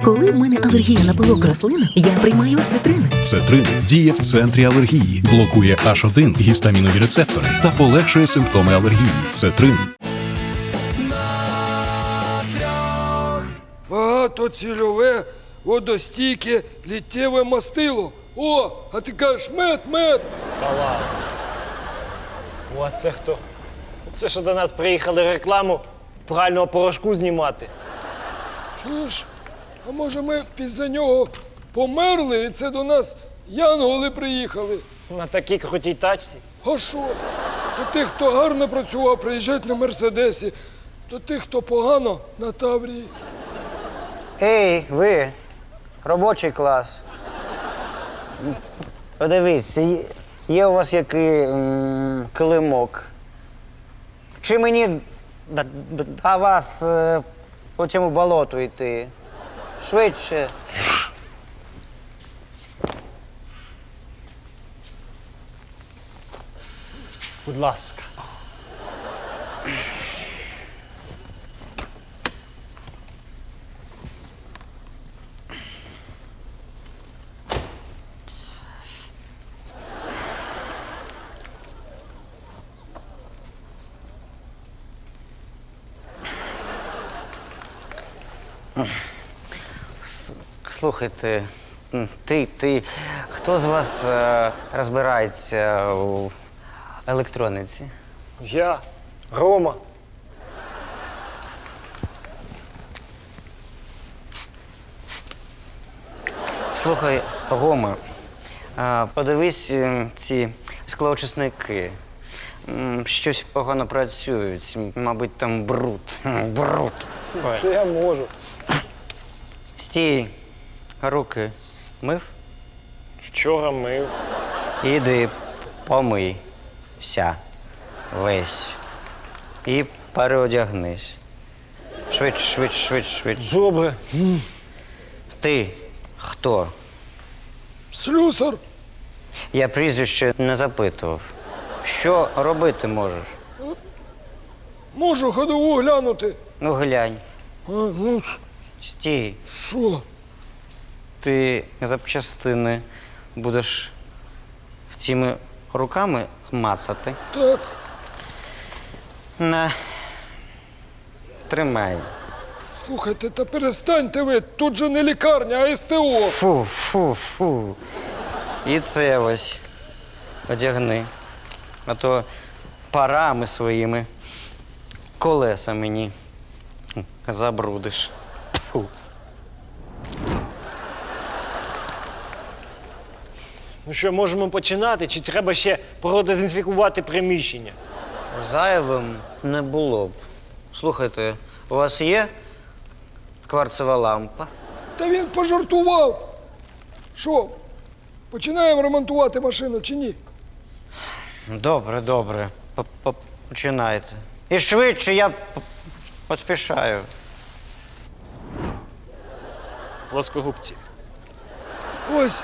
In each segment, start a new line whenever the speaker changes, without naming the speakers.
Коли в мене алергія на пилок рослин, я приймаю цитрин.
Цетрин діє в центрі алергії, блокує H1 гістамінові рецептори та полегшує симптоми алергії. Цетрин.
Багатоцільове, водостійке, літтєве мастило. О, а ти кажеш мед.
Та ладно. О, а це хто? Це що до нас приїхали рекламу прального порошку знімати.
Чуєш? А може ми після нього померли і це до нас янголи приїхали?
На такій крутій тачці.
А що? До тих, хто гарно працював, приїжджають на Мерседесі. До тих, хто погано, на Таврії.
Ей, ви, робочий клас. Подивіться, є у вас який килимок. Чи мені до вас по цьому болоту йти? Швидше.
Будь ласка.
Слухайте, хто з вас розбирається у електрониці?
Я, Рома.
Слухай, Рома, подивись ці склоочисники. Щось погано працюють, мабуть, там бруд. Бруд.
Це я можу.
Стій, руки
Вчора мив.
іди помийся весь і переодягнись. Швидше.
Добре.
Ти хто?
Слюсар,
Я прізвище не запитував. Що робити можеш?
можу ходову глянути.
Ну, глянь.
Ну,
Стій.
що?
Ти запчастини будеш цими руками мацати.
Так,
На. Тримай.
слухайте, та перестаньте ви, тут же не лікарня, а СТО.
Фу. І це ось одягни. А то парами своїми колеса мені забрудиш. Фу.
Ну що, можемо починати, чи треба ще продезінфікувати приміщення?
Зайвим не було б. Слухайте, у вас є кварцева лампа?
Та він пожартував. Що, починаємо ремонтувати машину чи ні?
Добре. Починайте. І швидше, я поспішаю.
Плоскогубці.
Ось,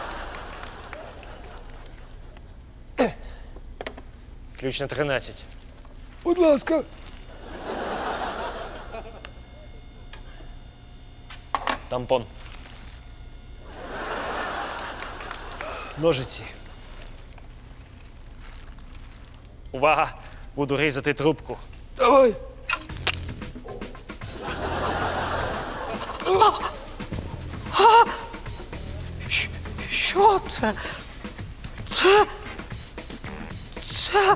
Ключ на 13.
будь ласка.
Тампон. Ножиці. Увага! Буду різати трубку.
Давай.
Що це? Це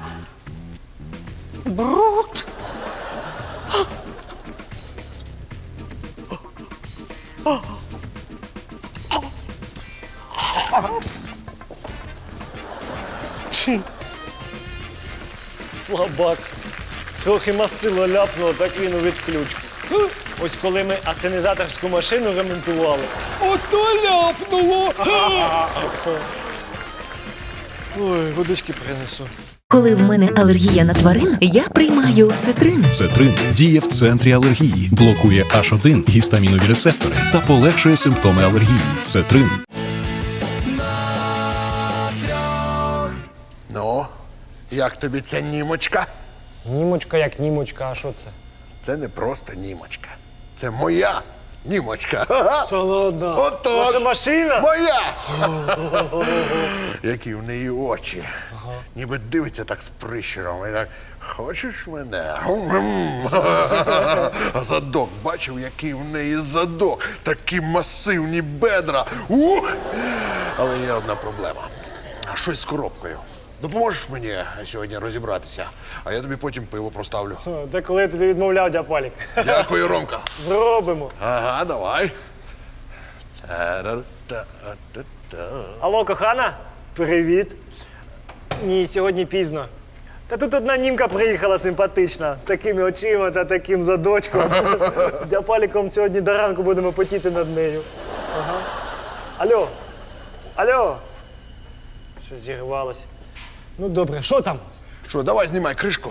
бруд.
Слабак. Трохи мастило ляпнуло, так він у відключку. Ось коли ми асенізаторську машину ремонтували.
Ото ляпнуло.
Ой, водички принесу.
Коли в мене алергія на тварин, я приймаю цитрин.
Цетрин діє в центрі алергії, блокує H1 гістамінові рецептори та полегшує симптоми алергії. Цетрин.
Ну, як тобі ця німочка?
Німочка як німочка, а що це?
Це не просто німочка. Це моя німочка.
Та ладно.
Отож.
Ваша машина?
Моя! Які в неї очі. Ніби дивиться так з прищуром. І так, хочеш мене? А задок, бачив, який в неї задок. Такі масивні бедра. Ух! Але є одна проблема. Щось з коробкою. Допоможеш мені сьогодні розібратися, а я тобі потім пиво проставлю.
Та коли я тобі відмовляв, дяпалік.
Дякую, Ромка.
Зробимо.
Ага, давай.
Алло, кохана? Привіт. Ні, сьогодні пізно. Та тут одна німка приїхала симпатична, з такими очима та таким задочком. З дяпаліком сьогодні до ранку будемо потіти над нею. Ага. Алло. Алло. Щось зірвалося. Ну добре, що там?
Що, давай знімай кришку.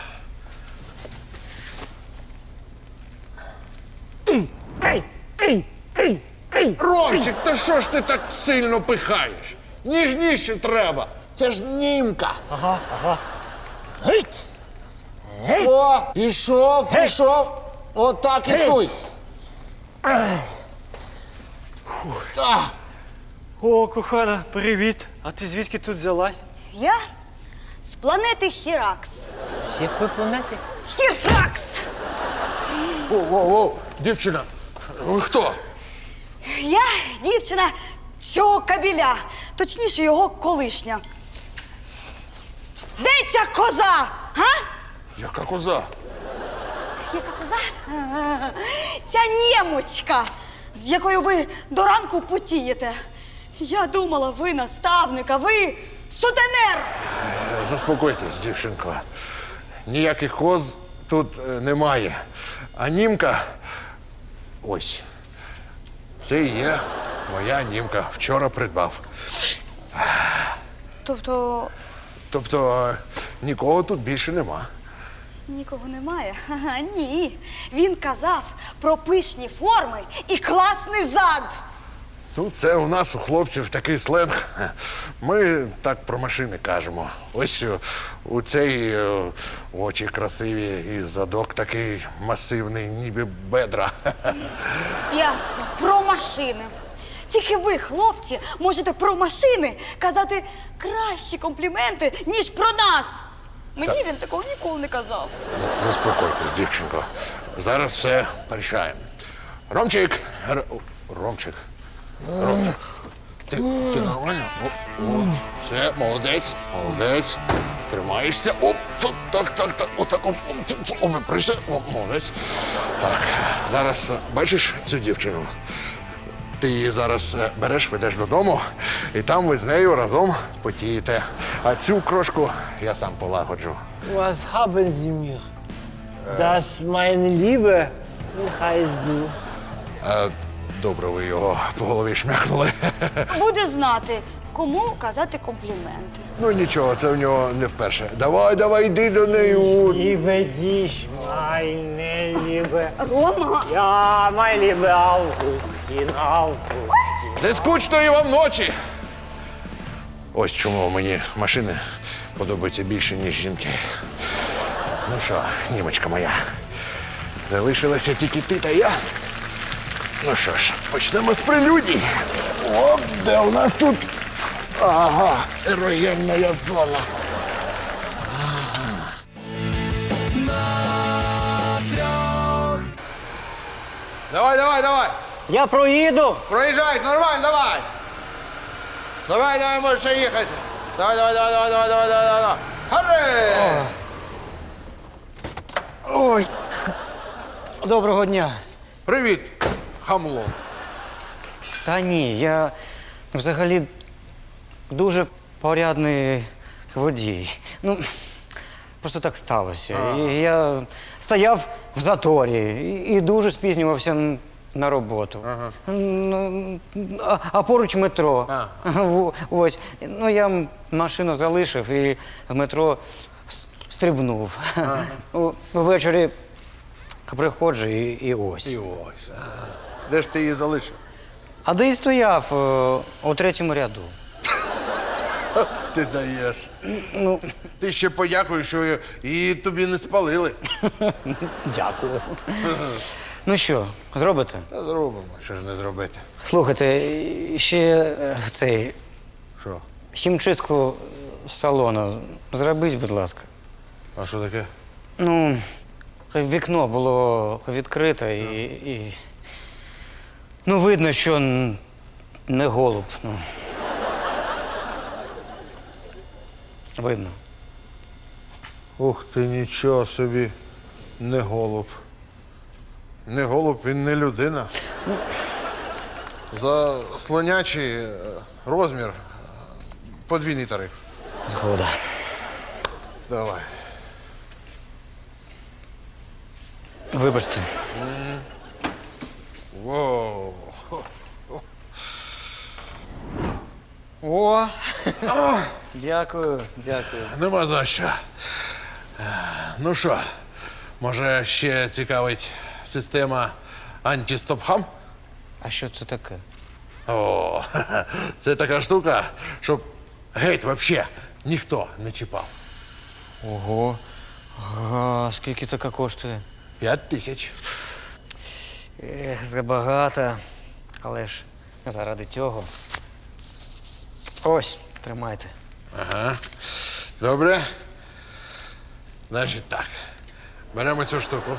Ей! Ей! Ей! Ей!
Ромчик, та що ж ти так сильно пихаєш? Ніжніше треба. Це ж німка.
Геть!
О, пішов. Отак і суй.
О, кохана, привіт. А ти звідки тут взялась?
Я з планети Хіракс.
З якої планети?
Хіракс!
О, дівчина, ви хто?
Я дівчина цього кабіля, точніше його колишня. Де ця коза? Га?
Яка коза?
Яка коза? Ця нємочка, з якою ви до ранку потієте. Я думала, ви наставник, а ви сутенер.
Заспокойтесь, дівчинко. Ніяких коз тут немає. А німка, ось, це і є моя німка. Вчора придбав. Тобто нікого тут більше нема.
Нікого немає? Ага, ні. Він казав про пишні форми і класний зад.
Ну, це у нас, у хлопців, такий сленг. Ми так про машини кажемо. Ось у цей очі красиві і задок такий масивний, ніби бедра.
Ясно, про машини. Тільки ви, хлопці, можете про машини казати кращі компліменти, ніж про нас. Мені він такого ніколи не казав.
Заспокойтесь, дівчинко. Зараз все порішаємо. Ромчик! Ромчик. Ти нормально? О, все, молодець. Тримаєшся. Оп, так. Отак, прийшли. Молодець. Так, зараз бачиш цю дівчину? Ти її зараз береш, ведеш додому, і там ви з нею разом потієте. А цю крошку я сам полагоджу.
Was haben Sie mir? Das, meine Liebe, wie heißt du?
Добре, ви його по голові шмяхнули.
Буде знати, кому казати компліменти.
Ну нічого, це в нього не вперше. Давай, йди до неї.
Liebe dich, meine Liebe.
Рома,
Ja, mein Liebe Augustin.
Не скучної вам ночі! Ось чому мені машини подобаються більше, ніж жінки. Ну що, німочка моя, залишилася тільки ти та я. Ну що ж, почнемо з прелюдій. От де у нас тут. Ага, ерогенна зона. Давай.
Я проїду.
Проїжджай, нормально, давай. Давай, можеш ще їхати. Давай. Харе!
Ой. Доброго дня.
Привіт, хамло.
Та ні, я взагалі дуже порядний водій. Ну, просто так сталося. Я стояв в заторі і дуже спізнювався на роботу. Ну, а поруч метро. Ось. Ну, я машину залишив і в метро стрибнув. Ввечері приходжу і ось.
І ось. Де ж ти її залишив?
А де і стояв у третьому ряду.
Ти даєш. Ну, ти ще подякуй, що її тобі не спалили.
Дякую. Ну що, зробите?
Та зробимо, що ж не зробити.
Слухайте, ще цей
Що?
хімчистку салону зробіть, будь ласка.
А що таке?
Ну, вікно було відкрите і. Ну, видно, що не голуб. Ну. Видно.
Ух ти, нічого собі, не голуб. Не голуб, він не людина. За слонячий розмір подвійний тариф.
Згода.
Давай.
Вибачте.
Воу.
О! Дякую, дякую.
Нема за що. Ну що, може ще цікавить система антистопхам?
А що це таке?
О, це така штука, щоб геть вообще ніхто не чіпав.
Ого. А скільки така коштує?
5000.
Ех, забагато. Але ж заради цього. Ось, тримайте.
Ага. Добре. Значить так. Беремо цю штуку.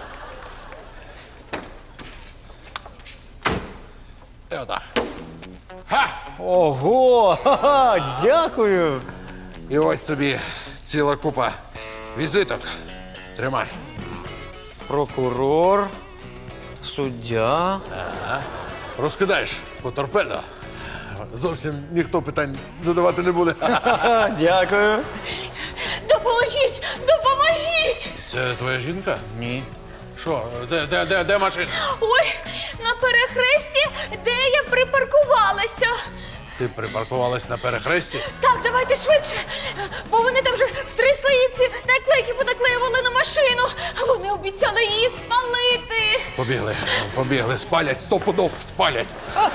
І отак. Ха!
Ого! Ха-ха, дякую!
І ось тобі ціла купа візиток. Тримай.
Прокурор, суддя.
Розкидаєш по торпедо. Зовсім ніхто питань задавати не буде.
Ха, дякую.
Допоможіть! Допоможіть!
Це твоя жінка?
Ні.
Що? Де машина?
Ой, на перехресті, де я припаркувалася.
Ти припаркувалась на перехресті?
Так, давайте швидше, бо вони там вже в 3 слоїці наклейки понаклеювали на машину. А вони обіцяли її спалити.
Побігли, спалять, 100 пудов спалять.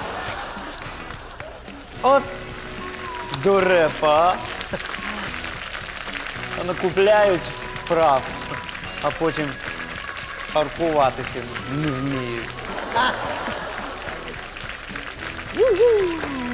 От дурепа. Накупляють прав, а потім паркуватися не вміють.